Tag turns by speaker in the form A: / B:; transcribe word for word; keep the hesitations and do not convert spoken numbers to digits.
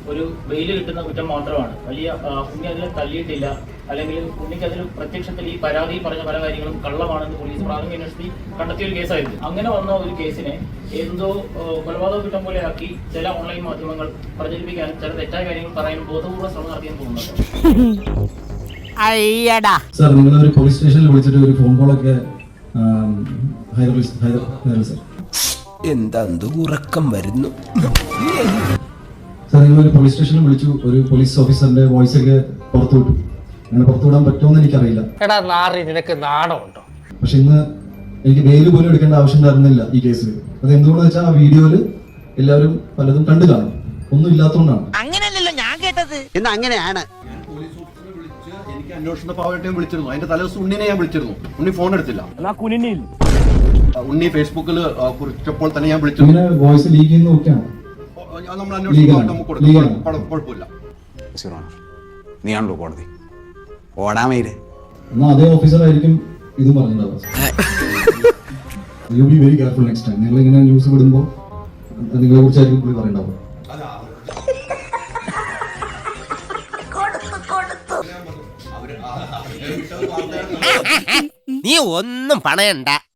A: ഒരു ബെയിൽ കിട്ടുന്ന കുറ്റം മാത്രമാണ്. വലിയ ഉണ്ണി അതിൽ തള്ളിയിട്ടില്ല, അല്ലെങ്കിൽ ഉണ്ണിക്ക് അതിൽ പ്രത്യക്ഷത്തിൽ ഈ പരാതി പറഞ്ഞ പല കാര്യങ്ങളും കള്ളമാണെന്ന് പോലീസ് പ്രാഥമിക അന്വേഷണത്തിൽ കണ്ടെത്തിയ ഒരു കേസായിരുന്നു. അങ്ങനെ വന്ന ഒരു കേസിനെ എന്തോ കൊലപാതക കുറ്റം പോലെ ആക്കി ചില ഓൺലൈൻ മാധ്യമങ്ങൾ പ്രചരിപ്പിക്കാനും ചില തെറ്റായ കാര്യങ്ങൾ പറയാനും ബോധപൂർവ്വ ശ്രമം നടത്തിയെന്ന് തോന്നുന്നുണ്ട്.
B: സാർ, നിങ്ങൾ ഒരു പോലീസ് സ്റ്റേഷനിൽ വിളിച്ചിട്ട് ഒരു ഫോൺ കോളൊക്കെ എന്താ ഉറക്കം വരുന്നു സാർ? നിങ്ങൾ ഒരു പോലീസ് സ്റ്റേഷനിൽ വിളിച്ചു, ഒരു പോലീസ് ഓഫീസറിന്റെ വോയിസ് ഒക്കെ പുറത്തു വിട്ടു. അങ്ങനെ പുറത്തു വിടാൻ പറ്റുമെന്ന് എനിക്കറിയില്ല.
C: നിനക്ക് നാണമുണ്ടോ?
B: പക്ഷെ ഇന്ന് എനിക്ക് ബെയിൽ പോലും എടുക്കേണ്ട ആവശ്യം ഉണ്ടായിരുന്നില്ല ഈ കേസിൽ. അത് എന്തുകൊണ്ടെന്ന് വെച്ചാൽ ആ വീഡിയോയില് എല്ലാവരും പലതും കണ്ടു കാണും, ഒന്നും ഇല്ലാത്തതുകൊണ്ടാണ്.
D: അങ്ങനെയല്ലല്ലോ ഞാൻ കേട്ടത്. എന്ന് അങ്ങനെയാണ്.
E: എനിക്ക് അന്വേഷണ പാവട്ടെയും വിളിച്ചിരുന്നു. അതിന്റെ തലേദിവസം ഉണ്ണിനെ ഞാൻ വിളിച്ചിരുന്നു. ഉണ്ണി ഫോൺ എടുത്തില്ല. ഉണ്ണി ഫേസ്ബുക്കിൽ കുറിച്ചപ്പോൾ തന്നെ ഞാൻ വിളിച്ചു.
B: ഇങ്ങനെ വോയിസ് ലീക്ക് ചെയ്യുന്ന നോക്കിയാണ്
E: നമ്മൾ അന്വേഷണം നമുക്ക് കൊടുക്കും, കുഴപ്പമില്ല.
F: നീയാണല്ലോ കോടതി ഓടാമയില്.
B: എന്നാ അതേ ഓഫീസറായിരിക്കും ഇത് പറഞ്ഞിട്ടുണ്ടാവുക. You be very careful next time. നിങ്ങൾ ഇങ്ങനെ ന്യൂസ് വിടുമ്പോൾ നിങ്ങളെ കുറിച്ചായിരിക്കും പുള്ളി പറയണ്ടാവുക.
D: നീ ഒന്നും പണയണ്ട.